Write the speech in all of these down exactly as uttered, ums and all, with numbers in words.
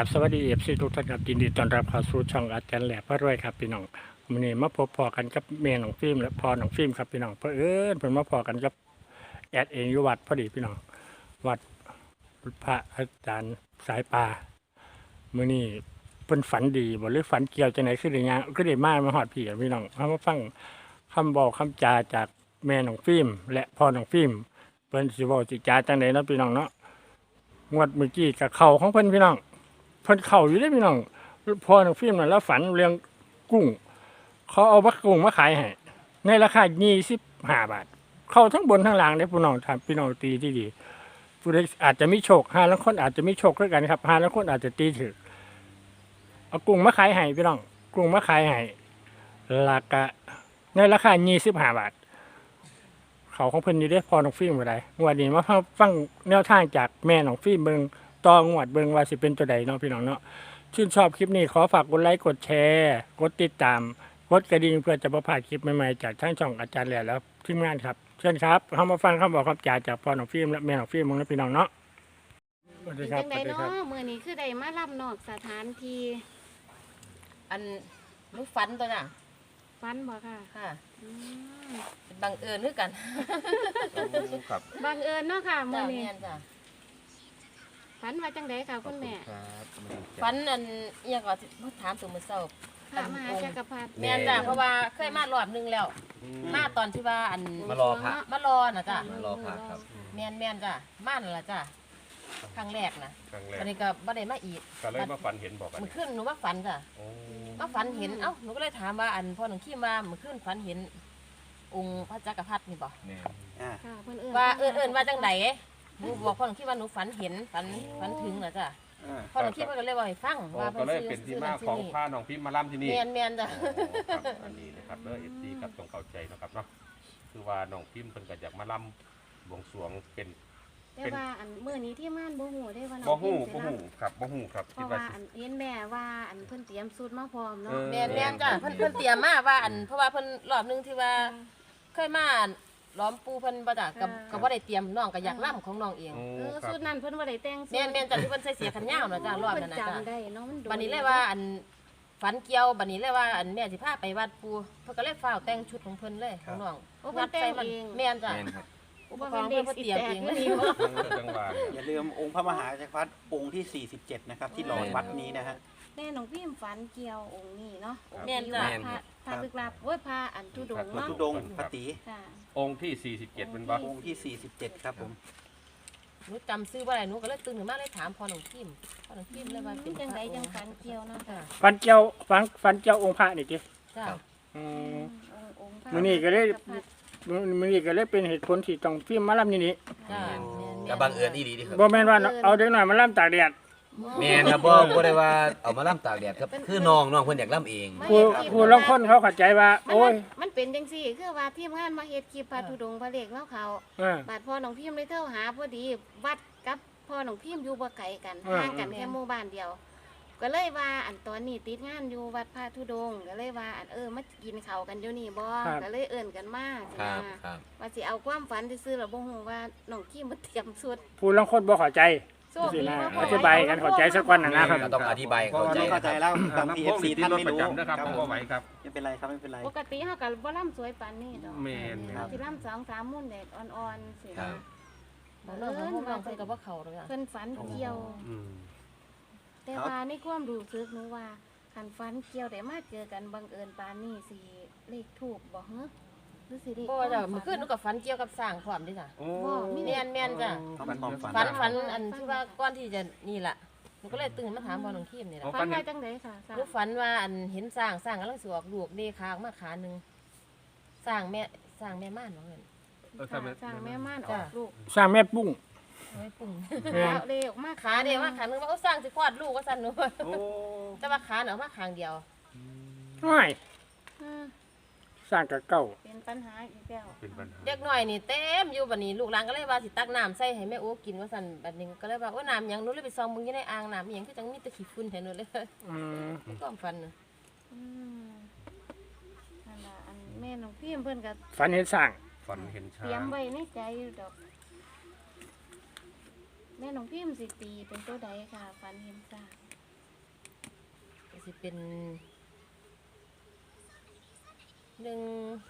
บสวัสดีเอฟซีทุกท่านครับยินดีต้อนรับเข้าสู่ช่องอาจารย์แหล่พระรวยครับพี่น้องวันนี้มาพบพอกันกับเมย์หนองฟิล์มและพอหนองฟิล์มครับพี่น้องเพราะเอิญเพิ่นมาพอกันกับแอดเองอยู่วัดพอดีพี่น้องวัดพระอาจารย์สายป่ามื้อนี้เพิ่นฝันดีบ่หรือฝันเกี่ยวจังไหนคือได้ยางคือได้มามาฮอดพี่พี่น้องเฮามาฟังคำบอกคำจาจากแม่หนองฟิล์มและพ่อหนองฟิล์มเพิ่นสิเว้าสิจาจังไดเนาะพี่น้องเนาะงวดเมื่อกี้กับเข้าของเพิ่นพี่น้องเพิ่นเข้าอยู่ได้พี่น้องพอหนังฟิล์มนั่นแล้วฝันเรื่องกุ้งเขาเอาบักกุ้งมาขายให้ในราคายี่สิบห้าบาทเข้าทั้งบนทั้งล่างได้พี่น้องทำพี่น้องตีที่ดีผู้ใดอาจจะมีโชคห้าแล้วคนอาจจะมีโชคด้วยกันครับห้าแล้วคนอาจจะตีถือเอากุ้งมาขายให้พี่น้องกุ้งมาขายให้ราคาในราคายี่สิบห้าบาทเขาของเพิ่นอยู่ได้พอหนังฟิล์มบ่ได้งวดนี้มาฟังแนวทางจากแม่หนังฟิล์มเบิ่งต่องวดเบิ่งว่าสิเป็นตัวใดเนาะพี่น้องเนาะชื่นชอบคลิปนี้ขอฝากกดไลค์กดแชร์กดติดตามกดกระดิ่งเพื่อจะประพลาดคลิปใหม่ๆจากทั้งช่องอาจารย์แหล่แล้วทีมงานครับเชิญครับเข้ามาฟังคำบอกคำจาจากพ่อหนองฟิล์มและแม่หนองฟิล์มของพี่น้องเนาะสวัสดีครับจังสใดวัสดีคเนาะรับมื้อนี้คือได้มารับนอกสถานที่อันหนูฝันตัวน่ะฟันบ่ค่ะค่ะอืมเป็นบังเอิญนึกกันครับบังเอิญเนาะค่ะมื้จ้าอนี้แม่นจ้ะฝันว่าจังใดค่ะคุณแม่ครับมาดูจ้ะฝันอันเอียงก็สิมาถามตัวมื้อเช้าพระมหาจักรพรรดิแม่นจ้ะเพราะว่าเคยมารอบนึงแล้ว มาตอนที่ว่าอันมารอพระมารอน่ะจ้ะมารอพระครับแม่นแม่นจ้ะมานั่นล่ะจ้ะครั้งแรกนะครั้งแรกอันนี้ก็บ่ได้มาอีกก็เลยมาฝันเห็นบอกกันมื้อคืนหนูมาฝันจ้ะโอ้มาฝันเห็นเอ้าหนูก็เลยถามว่าอันพ่อหนูขี้มามื้อคืนฝันเห็นองค์พระจักรพรรดินี่บ่เนี่ยอ่าค่ะเพิ่นเอิ้นว่าเอิ้นเอิ้นว่าจังไดหนูบอกพ่อหนูคิดว่าหนูฝันเห็นฝันฝันถึงเหรอจ้ะอ่าพ่อหนูคิดว่าก็เลยบอกให้ฟังโอ้ว่าก็เลยเป็นที่มาของผ้าน้องพิมพ์มาล่ำที่นี่เมียนเมียนจ้ะโอ้ครับอันนี้นะครับเด้อเอฟซีครับต้องเข้าใจนะครับเนาะคือว่าน้องพิมพ์เพิ่นก็อยากมาล่ำบวงสรวงเป็นแต่ว่าอันมื้อนี้ที่ม่านบ่ฮู้ได้ว่าน้องบ่ฮู้พิบ่มพ์สิฮู้ครับบ่ฮู้ครับเพคิดราะว่าว่าสิอันเห็นแม่ว่าอันเพิ่นเตรียมสูตรมาพร้อมเนาะเออเมียนเมียนจ้ะเพิ่นเพิ่นเตรียมมาว่าอันเพราะว่าเพิ่นรอบนึงที่ว่าเคยมาล้อมปูเพิ่นบ่จ้ะกับกับบ่ได้เตรียมน้องก็อยากล่ำของน้องเองโอ้เออครับสูตรนั้นเพิ่นบ่ได้แต่งสูตรเมียนเมียนจ้ะที่เพิ่นใส่เสียขันยาวน่ะจ้ะรอบเพิ่นั้นน่ะจำจ้ะได้เนาะมันโดนบัดนี้เลยว่าอันฝันเกี่ยวบัดนี้เลยว่าอันแม่สิพาไปวัดปูเพิ่นก็เลยฟ้าวแต่งชุดของเพิ่นเลยของน้องโอ้เพิ่นแต่งเองแม่นจ้ะแม่นครับอุปกรณ์เพิ่นเพิ่นเตรียมเองเลยเออจังหวะเนี่ยอย่าลืมองค์พระมหาจักรพรรดิองค์ที่ สี่สิบเจ็ด นะครับ ที่หล่อวัดนี้นะฮะแม่น้องพิมพ์ฝันเกี่ยวองค์นี้เนาะองค์แม่นที่จ้ะว่าพระพระลึกลับโอ้ยพระอันทุดงค์พระเนาะธุดงค์พระตีค่ะองค์ที่สี่สิบเจ็ดเป็นบ่องค์ที่ สี่สิบเจ็ด ครับผมหนูจำซื้อบ่ได้หนูก็เลยตื่นขึ้นมาเลยถามพ่อหนุ่มพิมพ่อหนุ่มพิมเลยว่าเป็นจังใดจังฝันเกี่ยวเนาะค่ะฟันเจียวฟันฟันเจียวองค์พระนี่จิจ้ะอืมองค์องค์พระมื้อนี้ก็เลยจัรพรรดิมื้อนี้ก็เลยเป็นเหตุผลที่ต้องฟิล์มมาล่ำนี่นี่จ้ะก็บังเอิญอีหลีเดิครับบ่แม่นว่าเอาเด็กน้อยมาล่ำตากแดดแม่นครับบ่บ่ได้ว่าเอามาล่ำตากแดดครับคือน้องน้องเพิ่นอยากล่ำเองผู้ผู้ลางคนเขาเข้าใจว่ามันโอ้ยมันเป็นจังซี่คือว่าทีมงานมาเฮ็ดคลิปพระธุดงค์พระเลขแล้วเขาเออบาดพ่อน้องพิมพ์เลยเท่าหาพอดีวัดกับพ่อน้องพิมพ์อยู่บ่ไกลกันอ่าห่างกันแค่หมู่บ้านเดียว ก็เลยว่าอันตอนนี้ติดงานอยู่วัดพระธุดงค์ก็เลยว่าอันเออมากินข้าวกันอยู่นี่บ่ก็เลยเอิ้นกันมาครับครับว่าสิเอาความฝันซื่อๆแล้วบ่ฮู้ว่าน้องพิมพ์มาเตรียมสุดผู้ลางคนบ่เข้าใจโชคสิดีนะว่าพ่อธิบายกันเข้าใจสักวันน่ะนะครับก็ต้องอธิบายเข้าใจเข้าใจแล้วบางทีน้ำพวกเอฟซีนี่ที่ท่านรถไม่ประรู้จำนะครับผมบ่ไหวครับไม่เป็นไรครับไม่เป็นไรปกติเฮาก็บ่ล่ำสวยปานนี้ดอกแม่นครับสิล่ำสองสามมุ่นแดดอ่อนๆสิครันะบบ่เลิกของพวกน้องเพิ่นก็บ่เข้าเลยจ้ะเพิ่นฝันเกี่ยวอืมแต่ว่าในความรู้สึกหนูว่าคันฝันเกี่ยวได้มาเจอกันบังเอิญปานนี้สิเลขถูกบ่ฮะหรือสิเลขบ่จ้ะเมื่อคืนหนูก็ฝันเกี่ยวกับสร้างพร้อมเด้จ้ะโอ้แม่นแม่นจ้ะฝันความฝันฝันฝันอันที่ว่าก่อนที่จะนี่ล่ะหนูก็เลยตื่นมาถามพ่อหนุ่มพิมนี่ล่ะฝันว่าจังไดค่ะสร้างหนูฝันว่าอันเห็นสร้างสร้างกำลังสิออกลูกเดคาออกมาขาหนึงสร้างแม่สร้างแม่ม่านว่าเงินเออค่ะทำไมสร้างแม่ม่านอจ้ะอกลูกสร้างแม่ปุ้งเอาไว้ปุ่งแม่นขาเลออกมาขาเดียวว่าขาหนึงว่าเอาสร้างสิคลอดลูกว่าซั่นหนูโอ้แต่ว่าขาเนาะมาข้างเดียวน้อยอืมสร้างกับเก่าเป็นปัญหาอีกแล้วเป็นปัญหาเด็กน้อยนี่เต็มอยู่บัดนี้ลูกหลานก็เลยว่าสิตักน้ำใส่ให้แม่โอ้กินว่าซั่นบัดนี้ก็เลยว่าโอ้น้ำหยังหนูเลยไปซองมึงอยู่ในอ่างน้ำอีหยังคือจังมีแต่ขี้ฝุ่นแท้หนูเลยอืมความฝันน่ะอืมนั่นล่ะอันแม่น้องพิมเพิ่นก็ฝันเห็นสร้างฝันเห็นช้าเตรียมงไว้ในใจอยู่ดอก แม่น้องพิมสิตีเป็นตัวใดค่ะฝันเห็นสร้างสิเป็นหนึ่ง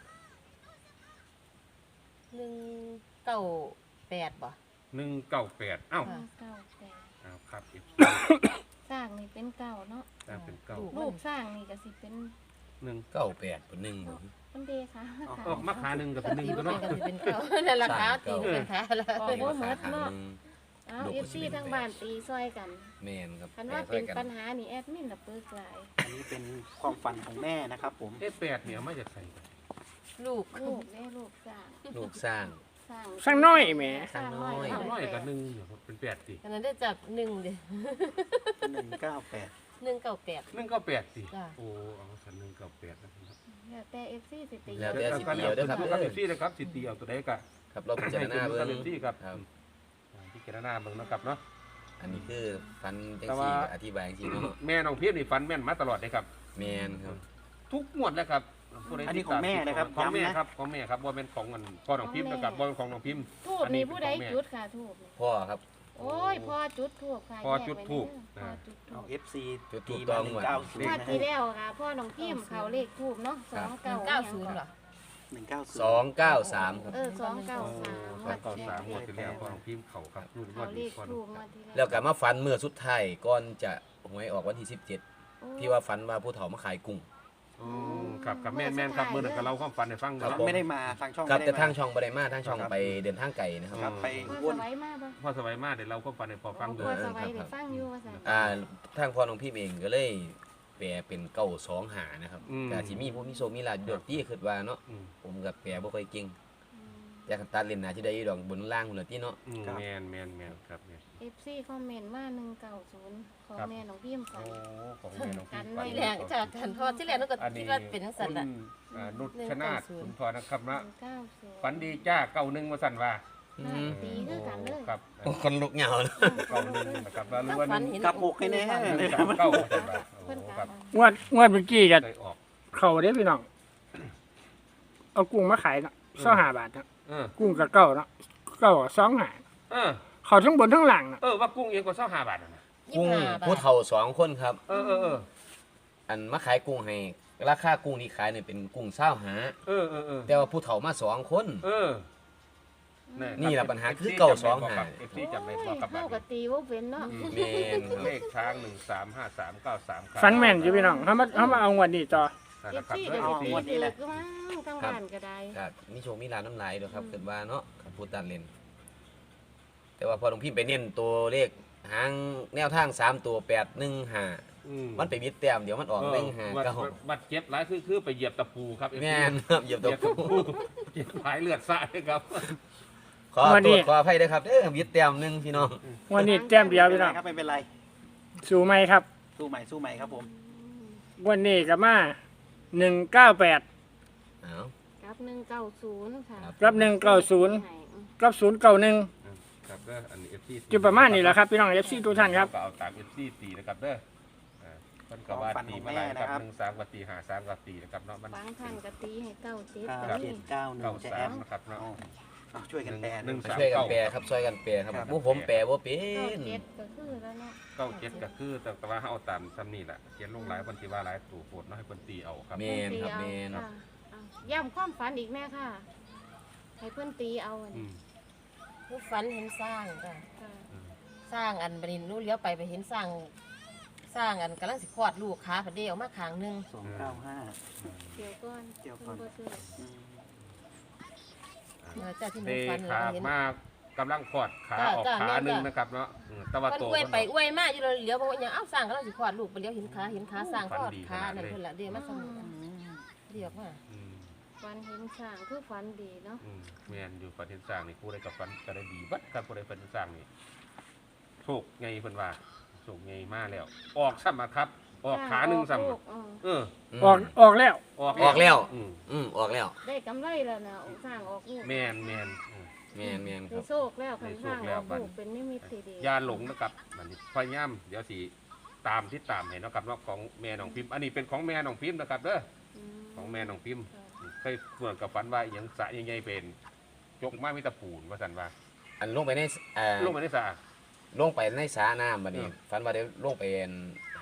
หนึ่งเก้าแปดบ่หนึ่งเก้าแปดเอ้าห้าเก้าแปดเอาครับ เอฟสร้างนี่เป็นเก่าเนาะสร้างเป็นเก้ารูปสร้างนี่ก็สิเป็นหนึ่งเก้าแปดเป็นหนึ่งบ่เป็นเดค่ะออกมาขาหนึ่งกับเป็นหนึ่งตีก็ว่าเนาะเป็นกันสิเป็นเก้านั่นราคาตีว่าเป็นขาแล้วโอ้โหเหมือนเนาะเอาลูกเอก็ฟสิซีเป็นทั้งบ้านตีซอยกันแม่นครับคันว่าแปเป็นดซอยกัปัญหานี่แอดมินละเปิกหลายอันนี้เป็นความฝันของแม่นะครับผมเอ๊ะแปดเนี่ยไม่จะใส่ลูกลูกแม่ลูกสร้างลูกสร้างสร้างสร้างน้อยแหมสร้างน้อยสสามร้อยแปกับดหนึ่งเนี่ยเป็นแปดสิอันนั้นได้จากหนึ่งเดียหนึ่งเก้าแปดหนึ่งเก้าแปดหนึ่งเก้าแปดสิจ้ะโอ้เอาสันหนึ่งเก้าแปดนะครับแล้วแต่เอฟซีสิตีแล้วแต่สิกันเดียวเด้อครับครับเอฟซีนะครับสิตีเอาตัวใดก็ครับเราพิจารณาเบิ่เอง ฟซีครับครับพิจารณาเบิ่งนะครับเนาะอันนี้คือฟันจังแต่ซี่ว่าอธิบายจังซี่เนาะแม่น้องเพียรนี่ฟันแม่นมาตลอดเลยครับแม่นครับทุกงวดเลยครับผู้ใดอันนี้ของแม่นะครับของแม่ย้ำนะครับของแม่ครับว่าเป็นของอันพ่อน้องพิมพ์นะครับว่าเป็นของน้องพิมพ์ทูบอันนี้นี่ผู้ใดเป็นของแม่จุดค่ะทูบนี่พ่อครับโอ้ยพ่อจุดทูบค่ะพ่อจุดธูปแยกไว้เด้อพ่อจุดธูเอาปเอฟซีจุดธูตีปมาต้องหนึ่งหมดเก้าศูนงย์วดนะที่ฮะแล้วค่ะพ่อน้องพิมพ์เขาเลขทูบเนาะสองเก้าเก้าศูนย์เหรอหนึ่งเก้าศูนย์สองเก้าสามครับเออสองเก้าสามสองเก้าสามงวดที่แล้วพ่อน้องพิมพ์เขาครับรุ่นงเขาวดเลนี้ขพ่อน้ทูอบ งงวดที่แล้วก็มาฝันเมื่อสุดท้ายก่อนจะหวยออกวันที่สิบเจ็ดโอ้ที่ว่าฝันว่าผู้เฒ่ามาขายกุ้งอืมครับกับแม่นแม่นครับเมื่อนั้นก็เล่าความฝันให้ฟังครับเนาะผมไม่ได้มาทางช่องครับไม่แต่ได้ทางมาช่องบ่ได้มาทางช่องไปเดินทางไกลนะครับครับไปพ่อวนสบายมากปะพ่อสบายมากเดี๋ยวเราความฝันให้พอฟังพ่ดูอสบายเดี๋ยวฟังอยู่ว่าสั่นอ่าทางพ่อน้องพี่เองก็เลยแปลเป็นเก้าสองหานะครับแต่สิมีผู้มีโซมีลาดอกที่คิดว่าเนาะอืมผมกับแปลบ่ค่อยเก่งอยากให้ตัดเล่นหน้าที่ได้อยู่ดอกบนล่างพุ่นล่ะติเนาะอืมแมนแมนแมนครับเนี่ยเอฟซีคอมเมนต์ว่าหนึ่งเก้าศูนย์ของครับแม่น้องพิมพ์ฝัโอ้นของแม่น้องพิมพ์กัฝันที่ไว้แรกจากกันเพราะที่แรกนั่นก็อันคินี้ดว่าเป็นสันคุณละอ่านุชชนาธิ์หนึ่งเก้าศูนย์คุณพอนะครับหนะนึ่งเก้าศูนย์ฝันดีจ้าเก้าหนึ่งมาสั่นว่าอืมตีคือกันเลยครับโอ้คนลุกเหงาเลยเก้าหนึ่งนะครับแล้วรู้ว่าหฝันนึ่งเห็นกลับหกให้แน่หนึ่งสามเก้ามาสั่นว่าโอ้เพิ่นคกลัรับบงวดงวดเมื่อกี้กันได้ออกเขาได้พี่น้อง เอากุ้งมาขายเนาะเศร้าหาบาทเนาะเออกุ้งกับเก้าเนาะเก้าสองหาเออเขาทั้งบนทั้งหลังเนาะเออว่ากุ้งเองก็เศร้าห้าบาทนะยี่กุ้งสิบห้าบาผู้ทเฒ่าสองคนครับเออเออเอออันมาขายกุ้งให้ราคากุ้งที่ขายเนี่ยเป็นกุ้งเศร้าหาเออเออเออแต่ว่าผู้เฒ่ามาสองคนเออนี่แหละปัญหาคือเก้าสองห้าเอฟซีจำได้บ่ครับเข้ากับตีว่าเป็นเนาะอืมแม่นครับเลขช้างหนึ่งสามห้าสามเก้าสามครับฟันแม่นอยู่พี่น้องเขามาเขามาเอางวดนี้ต่อนั่นเอนะฟครับซีเด้ก็อสิ FC ตีถือก็มั้งทั้งบ้านก็ได้ครับมีโชว์มีลาน้ำลายด้วยครับเกิดว่าเนาะครับพูดตัดเล่น แต่ว่าพอหลวงพี่ไปเน้นตัวเลขหางแนวทางสามตัวแปดหนึ่งห้าอืมันไปมิดแต้มเดี๋ยวมันออกหนึ่งห้าบัดเก้าบัดเจ็บหลายคือคือไปเหยียบตะปูครับ เอฟซีแม่นครับเหยียบเหตัวยียบตะปูเหยียบหายเลือดสาดเลยครับขอโทษขออภัยด้วยครับเด้อมิดแต้มหนึ่งพี่น้องงวดนี้แต้มเดียวพี่น้องครับไม่เป็นไรสู้ไหมครับสู้ใหม่สู้ใหม่ครับผมงวันนี้กับมาหนึ่งเก้าแปดเอากับหนึ่งเก้าศูนย์ค่ะกับหนึ่งเก้าศูนย์กับศูนย์เก้าหนึ่งครับเด้ออันนี้ เอฟ ซีจุดประมาณนี้แหละครับพี่น้องเอฟซีทุกท่านครับก็เอาตาม เอฟ ซี ตีนะครับเด้ออ่าเพิ่นก็ว่าตีมาหลายครับหนึ่งสามกับตีห้าสามกับตีนะครับเนาะมันบางท่านก็ตีให้เก้าเจ็ดเก้าก็เจ็มีดเก้าหนึ่เก้างจะสาแอมมนะครับเนาะเอาเอาช่วยกันแปลหนึ่งช่วยกันแปลครับช่วยกันแปลครับครับผู้ผมแปลว่าเป็เก้าน เจ็ดก็คือแล้วเนาะเก้าเจ็ดก็คือแต่แต่ว่าเอาตามซ้ำนี่แหละเขียนลงหลายคนที่ว่าหลายตู่โพดเนาะให้คนตีเอาครับแมนครับแมนค่ะเอาย้ำความฝันอีกแม่ค่ะ ให้เพื่อนตีเอาอันอืนี้มผู้ฝันเห็นสร้างจ้ะค่ะสร้างอันบัดนี้นู้นเลี้ยวไปไปเห็นสร้าง สร้างอันกำลังสิคลอดลูกขาพอดีออกมาข้างหนึงสองเก้าห้าเดี๋ยวก่อนเดี๋ยวก่อนเพิ่นบ่ซื้ออืมเออจ้าที่หเตนูฝันขาเห็นมากกำลังขอดขาจ้ะออกจ้ะขาแม่นหนึ่งจ้ะนะครับเนาะอืมแตะวันมันโตอวยไปอวยมาอยู่เลยเลี้ยวบอกว่าอย่างเอ้าสร้างกำลังสิคลอดลูกไปเลี้ยวเห็นขาเห็นขาสร้างคลอดขานั่นเพิ่นละเดี๋ยวมาสมุนเรียกว่าอืมฝันเห็นช้างคือฝันดีเนาะอืมแมนอยู่ประเทศสร้างนี่ผู้ใดกับฟันก็ได้ดีบัดครับผู้ใดประเทศสร้างนี่โชคไงเพิ่นว่าโชคไงมาแล้ว ออกซ้ำอะครับ ออกขาหนึ่งซ้ำลูอะกอืมเออออกออกแล้วออกออกแล้วอืมอืมออกแล้วได้กำไรแล้วนะสร้างออกลูกแมนแมนอืมแมนแมนคได้รับโชคแล้วคันสร้างออกลูกเป็นนิมิตที่ดีอยาหลงนะครับมันนี้พยายามเดี๋ยวสิตามที่ตามให้เนาะครับเนาะของแม่น้องพิมพ์อันนี้เป็นของแม่น้องพิมพ์นะครับเด้อมของแม่น้องพิมพ์เคยเมื่อกับฝันว่าอหย่างสระใหญ่ๆเป็นยกมามีแตะปูนว่าสันว่าอันลงไปในเอ่อลงมาในสระลงไปในสระน้ำบัดนี้เออฝันว่าได้ลงไปห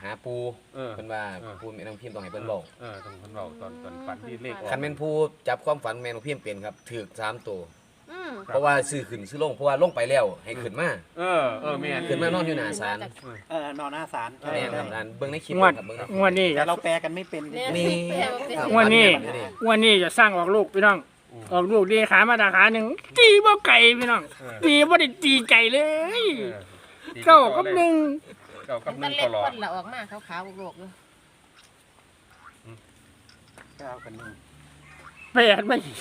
หาปูเออเพิ่นว่าเออปูแม่น้องพิมพ์ต้องให้เพิ่นบอกเออต้องเพิ่นเว้าตอนตอนฝันที่เลขออกคันแม่นผู้จับความฝันแม่น้องพิมพ์เป็นครับถูกสามตัวอืมเพราะว่าซื้อขึ้นซื้อลงเพราะว่าลงไปแล้วให้ขึ้นมาเออเออแม่นขึ้นมานอนอยู่หน้าศาลเออนอนหน้าศาลเออแม่นครับร้านเบิ่งในคลิปงวดครับเบิ่งในงวดนี้แต่เราแปลกันไม่เป็นแม่นี่ครับงวดนี้งวดนี้จะสร้างออกลูกพี่น้อง ออกลูกดีขามาดาขาหนึ่งตีบ่ไก่พี่น้องเออตีบ่ได้ตีไก่เลยเออดีเก้ากับหนึ่งเก้ากับหมันึ่นงเล็ตกลอคดนละออกมาขาวๆโลกๆอยู่เก้ากันหนึ่งแปดไม่อีก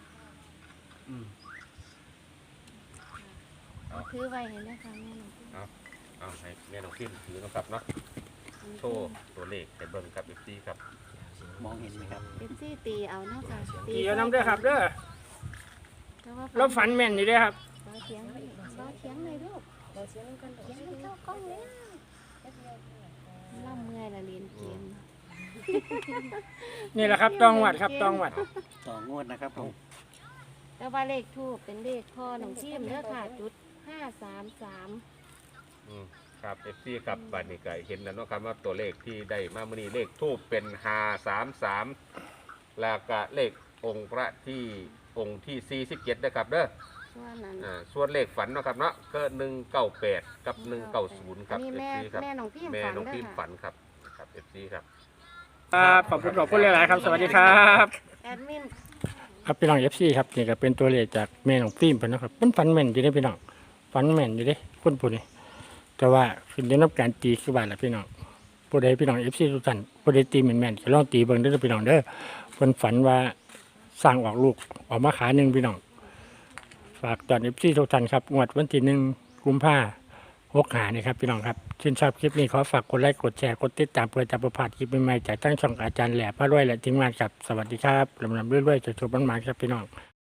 ถือไว้เห็นไหมคะแม่หนูเอาให้แม่น้องพิมพ์ถือนะครับเนาะโชว์ตัวเลขให้เบิ่งครับ เอฟ ซี ครับมองเห็นไหมครับเป็นซี่ตีเอาเนาะค่ะตีเอาน้ำเด้อครับเด้อแต่ว่าเราฝันแม่นอยู่เด้อครับเราเถียงเราเถียงเลยลูกเราเถียงกันเถียงกันเข้ากล้องแล้วล่ำเมื่อยละเรียนเกมนี่แหละครับต้องวัดครับต้องวัดต่องวดนะครับผมแต่ว่าเลขทูบเป็นเลขพ่อหนองชิมเด้อค่ะจุดห้าสามสามอืมครับ เอฟ ซี ครับบัดนี้ก็เห็นแล้วเนาะครับว่าตัวเลขที่ได้มามื้อนี้เลขทูปเป็นห้าสามสามแล้วก็เลของค์พระที่องค์ที่สี่สิบเจ็ดนะครับเด้อส่วนนั้นอ่าส่วนเลขฝันเนาะครับเนาะก็หนึ่งเก้าแปดกับหนึ่งเก้าศูนย์คอัรันบนี้เอฟแม่ซีครับแม่หนองพี่แม่ฝันน้องเด้พิอมพ์ค่ะฝันครับครับ เอฟ ซี ครับครับขอบคุณขอบคุณหลายๆครับ สวัสดีครับแอดมินครับพี่น้อง เอฟ ซี ครับนี่ก็เป็นตัวเลขจากแม่น้องฟิล์มเพิ่นเนาะครับเป็นฝันแม่นอยู่เด้อพี่น้องฝันแม่นอยู่เด้คนผู้นี้แต่ว่าขึ้นอยู่กับการตีคือว่าล่ะพี่น้องผู้ใดพี่น้อง เอฟ ซี ทุกท่านผู้ใดตีแม่นๆก็ลองตีเบิ่งเด้อพี่น้องเด้อเพิ่นฝันว่าสร้างออกลูกออกมาขาหนึงพี่น้องฝากตอน เอฟ ซี ทุกท่านครับงวดวันที่หนึ่งกุมภาพันธ์หกหานี่ครับพี่น้องครับชื่นชอบคลิปนี้ขอฝากกดไลค์กดแชร์กดติดตามเพื่อจะประพลาดคลิปใหม่ๆจากตั้งช่องอาจารย์แหล่พระรวยและทีมงานครับสวัสดีครับลำลำเรื่อยๆจะชมบ้านหมายครับพี่น้อง